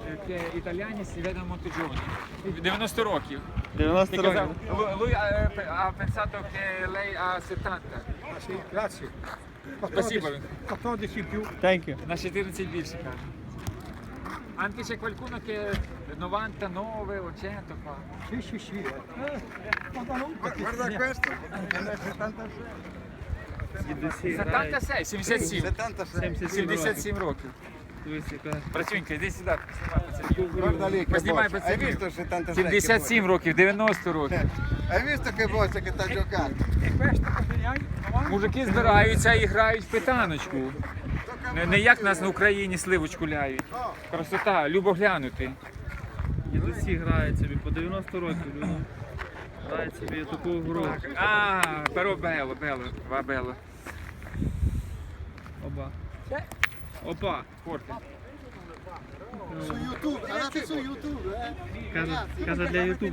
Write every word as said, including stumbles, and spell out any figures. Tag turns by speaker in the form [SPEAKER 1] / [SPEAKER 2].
[SPEAKER 1] che italiani si vedono molto giovani. дев'яносто років.
[SPEAKER 2] дев'яносто
[SPEAKER 1] Ti казав,
[SPEAKER 2] років.
[SPEAKER 1] Lu- Lui ha, ha pensato che lei ha settanta.
[SPEAKER 3] Ah, sì, grazie.
[SPEAKER 1] Спасибо.
[SPEAKER 3] quattordici in più.
[SPEAKER 2] Thank you.
[SPEAKER 1] На чотирнадцять більше каже. Anche c'è qualcuno che нovantanove o cento qua.
[SPEAKER 3] Sì, sì, sì. Eh. Guarda, non-
[SPEAKER 4] Guarda questo, è settantasei.
[SPEAKER 1] settantasei, сімдесят сім.
[SPEAKER 4] settantasei.
[SPEAKER 1] сімдесят сім років. Братюнька, іди сюди.
[SPEAKER 4] Guarda lì che
[SPEAKER 1] Познімай
[SPEAKER 4] boccia. Hai
[SPEAKER 1] пацанів.
[SPEAKER 4] visto il settantasei? che
[SPEAKER 1] сімдесят сім років, дев'яносто років.
[SPEAKER 4] boccia? Hai visto che boccia che sta giocando?
[SPEAKER 3] E questo cosa ne hai? novanta?
[SPEAKER 1] Мужики збираються і грають в питаночку. Не, не як нас на Україні сливочку ляють. Красота, любо глянути.
[SPEAKER 2] Дідусі грають собі по дев'яносто років. Люди. Грають собі таку гру.
[SPEAKER 1] А, però bello, bello, va bello.
[SPEAKER 2] Оба. Опа.
[SPEAKER 1] Forte.
[SPEAKER 4] Su YouTube, andate su YouTube, eh?
[SPEAKER 2] Каже, каже для Ютубу.